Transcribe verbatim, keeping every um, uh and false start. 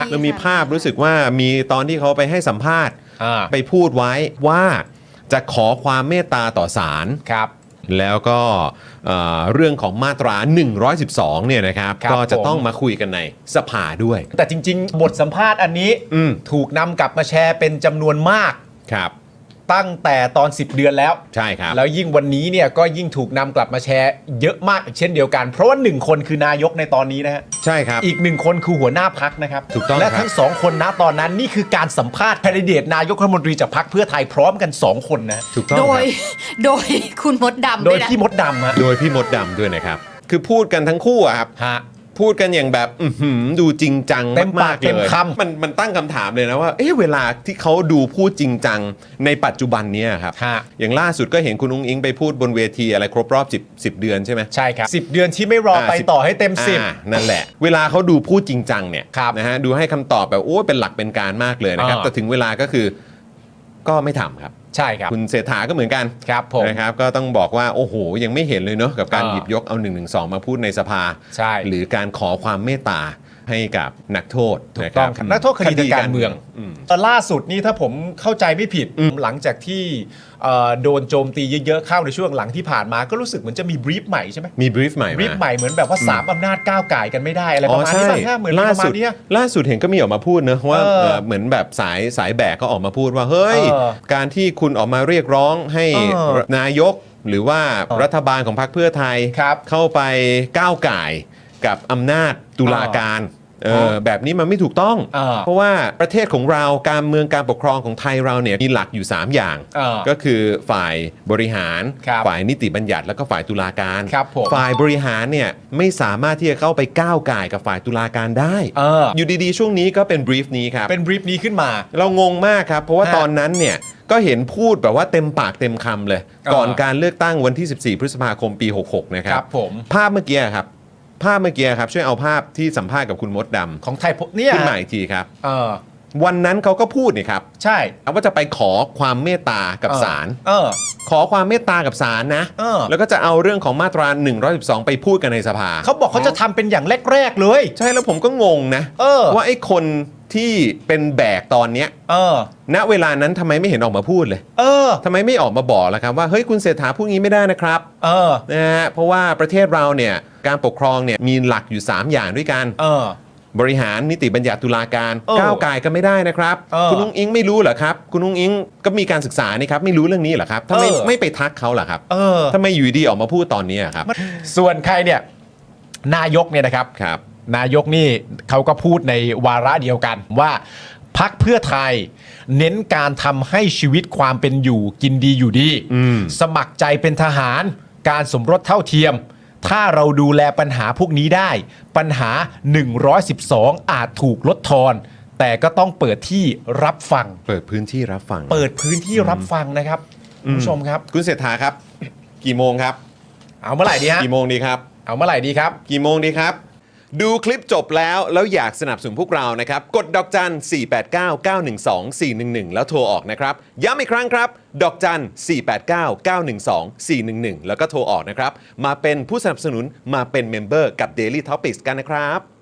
แล้วมีภาพรู้สึกว่ามีตอนที่เขาไปให้สัมภาษณ์อ่าไปพูดไว้ว่าจะขอความเมตตาต่อศาลครับแล้วก็เอ่อเรื่องของมาตราหนึ่งร้อยสิบสองเนี่ยนะครับครับก็จะผมต้องมาคุยกันในสภาด้วยแต่จริงๆ บทสัมภาษณ์อันนี้อืมถูกนำกลับมาแชร์เป็นจำนวนมากครับตั้งแต่ตอนสิบเดือนแล้วใช่ครับแล้วยิ่งวันนี้เนี่ยก็ยิ่งถูกนำกลับมาแชร์เยอะมากอีกเช่นเดียวกัน เพราะว่าหนึ่งคนคือนายกในตอนนี้นะฮะใช่ครับอีกหนึ่งคนคือหัวหน้าพักนะครับถูกต้องและครับทั้งสองคนนะตอนนั้นนี่คือการสัมภาษณ์แคนดิเดตนายกรัฐมนตรีจากพรรคเพื่อไทยพร้อมกันสองคนนะถูกต้องโดคยรับโดยคุณมดดำโดด้วย ยนะพี่มดดำฮะโดยพี่มดดำด้วยนะครับ คือพูดกันทั้งคู่อะครับฮะพูดกันอย่างแบบอื้อหือดูจริงจังเต็มปามาก กๆเต็เลมยคำมันมันตั้งคำถามเลยนะว่าเอ๊ะเวลาที่เขาดูพูดจริงจังในปัจจุบันเนี้ยครับฮะอย่างล่าสุดก็เห็นคุณอุ้งอิงไปพูดบนเวทีอะไรครบรอบ10 10เดือนใช่ไหมใช่ครับสิบเดือนที่ไม่รอไปอ่าต่อให้เต็มสิบอ่านั่นแหละ เวลาเขาดูพูดจริงจังเนี่ยครับนะฮะดูให้คำตอบแบบโอ้เป็นหลักเป็นการมากเลยนะครับอ่าแต่ถึงเวลาก็คือก็ไม่ทำครับใช่ครับคุณเศรษฐาก็เหมือนกันครับผมนะครับก็ต้องบอกว่าโอ้โหยังไม่เห็นเลยเนาะกับการอ่าหยิบยกเอา1นึมาพูดในสภาใช่หรือการขอความเมตตาให้กับนักโทษถูกนะต้องครับนักโทษคดีทางการเมืองมล่าสุดนี่ถ้าผมเข้าใจไม่ผิดหลังจากที่เอ่อโดนโจมตีเยอะๆเข้าในช่วงหลังที่ผ่านมาก็รู้สึกเหมือนจะมีบรีฟใหม่ใช่ไหมมีบรีฟใหม่บรีฟมาใหม่เหมือนแบบว่าสามอำนาจก้าวไก่ายกันไม่ได้อะไรปอ๋อระมาณใช่นี้ป่ะฮะเหมือนล่าประมาสุณดเนี้ยล่าสุดเห็นก็มีออกมาพูดนะว่าเออเอ่อเหมือนแบบสายสายแบกก็ออกมาพูดว่าเฮ้ยเออการที่คุณออกมาเรียกร้องให้เออนายกหรือว่าเออรัฐบาลของพรรคเพื่อไทยครับเข้าไปก้าวไก่ายกับอำนาจตุลาการเออเออแบบนี้มันไม่ถูกต้องเออเพราะว่าประเทศของเราการเมืองการปกครองของไทยเราเนี่ยมีหลักอยู่ สาม อย่างเออก็คือฝ่ายบริหารครับฝ่ายนิติบัญญัติแล้วก็ฝ่ายตุลาการครับผมฝ่ายบริหารเนี่ยไม่สามารถที่จะเข้าไปก้าวก่ายกับฝ่ายตุลาการได้เอออยู่ดีๆ ช่วงนี้ก็เป็นบรีฟนี้ครับเป็นบรีฟนี้ขึ้นมาเรางงมากครับ เพราะว่าฮะตอนนั้นเนี่ยก็เห็นพูดแบบว่าเต็มปากเต็มคำเลยเออก่อนการเลือกตั้งวันที่ สิบสี่ พฤษภาคมปี หกหก นะคครัรับ บผมภาพเมื่อกี้ครับ ภาพเมื่อกี้ครับ ช่วยเอาภาพที่สัมภาษณ์กับคุณมดดำของไทยพเนี่ยขึ้นมาอีกทีครับเออวันนั้นเขาก็พูดนี่ครับใช่ว่าจะไปขอความเมตตากับศาลเออขอความเมตตากับศาลนะเออแล้วก็จะเอาเรื่องของมาตราหนึ่งร้อยสิบสองไปพูดกันในสภาเขาบอกเขาจะทำเป็นอย่างแรก ๆ เลยใช่แล้วผมก็งงนะเออว่าไอ้คนที่เป็นแบกตอนเนี้ยเออณเวลานั้นทำไมไม่เห็นออกมาพูดเลยเออทำไมไม่ออกมาบอกล่ะครับว่าเฮ้ยคุณเศรษฐาพูดงี้ไม่ได้นะครับเออนะฮะเพราะว่าประเทศเราเนี่ยการปกครองเนี่ยมีหลักอยู่ สาม อย่างด้วยกันเออบริหารนิติบัญญัติตุลาการเออก้าวไก่กันไม่ได้นะครับเออคุณนุ้งอิงไม่รู้เหรอครับ คุณนุ้งอิงก็มีการศึกษานี่ครับไม่รู้เรื่องนี้เหรอครับทำไมเออไม่ไปทักเขาล่ะครับเออทำไมอยู่ดีออกมาพูดตอนนี้อะครับส่วนใครเนี่ยนายกเนี่ยนะครับครับนายกนี่เขาก็พูดในวาระเดียวกันว่าพักเพื่อไทย เน้นการทำให้ชีวิตความเป็นอยู่กินดีอยู่ดีอืมสมัครใจเป็นทหารการสมรสเท่าเทียม ถ้าเราดูแลปัญหาพวกนี้ได้ ปัญหาหนึ่งร้อยสิบสองอาจถูกลดทอน แต่ก็ต้องเปิดที่รับฟังเปิดพื้นที่รับฟังเปิดพื้นที่รับฟังนะครับคุณผู้ชมครับคุณเศรษฐาครับ กี่โมงครับเอาเมื่อไหร่ดีฮะกี่โมงดีครับเอาเมื่อไหร่ดีครับกี่โมงดีครับ ดูคลิปจบแล้วแล้วอยากสนับสนุนพวกเรานะครับ กดดอกจัน สี่ แปด เก้า เก้า หนึ่ง สอง สี่ หนึ่ง หนึ่ง แล้วโทรออกนะครับ ย้ำอีกครั้งครับ ดอกจัน สี่ แปด เก้า เก้า หนึ่ง สอง สี่ หนึ่ง หนึ่ง แล้วก็โทรออกนะครับ มาเป็นผู้สนับสนุนมาเป็นเมมเบอร์กับ Daily Topics กันนะครับ